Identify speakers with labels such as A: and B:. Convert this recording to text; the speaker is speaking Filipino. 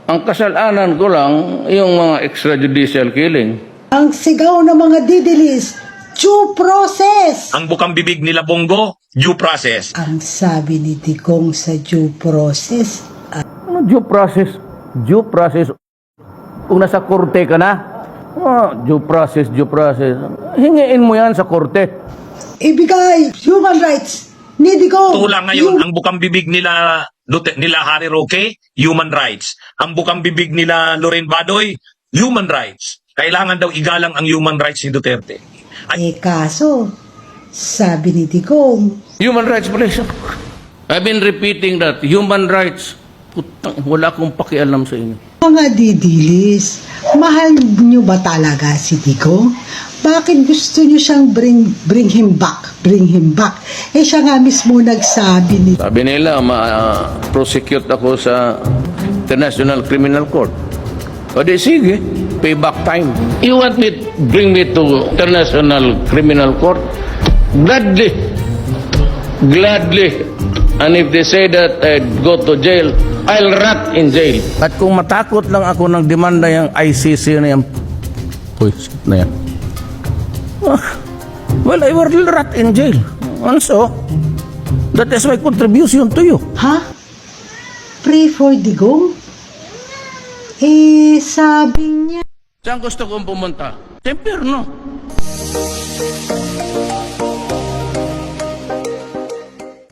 A: Ang kasalanan ko lang, yung mga extrajudicial killing.
B: Ang sigaw ng mga didilis, due process!
C: Ang bukang bibig nila Bongo, due process.
B: Ang sabi ni Digong sa due process,
A: Ano due process? Due process. Kung nasa korte ka na, due process, due process. Hingiin mo yan sa korte.
B: ibigay human rights ni Digong.
C: Tula ngayon, ang bukang bibig nila Harry Roque, human rights. Ang bukang bibig nila Loren Badoy, human rights. Kailangan daw igalang ang human rights ni Duterte.
B: Kaso, sabi ni Digong,
A: Human rights violation. I've been repeating that. Human rights. Putang, wala akong pakialam sa inyo.
B: mga didilis, mahal niyo ba talaga si Digong? Bakit gusto niyo siyang bring him back? Bring him back. Siya nga mismo nagsabi ni
A: Sabi nila, ma-prosecute ako sa International Criminal Court. O di sige, payback time. You want me, bring me to International Criminal Court? Gladly. Gladly. And if they say that I'd go to jail, I'll rot in jail. At kung matakot lang ako ng demanda yung ICC na yan, shit na yan. Well, I will rot in jail. And so, that is my contribution to you.
B: Ha? Pray for Digong? Sabi niya,
A: Saan gusto kong pumunta? Sa impyerno.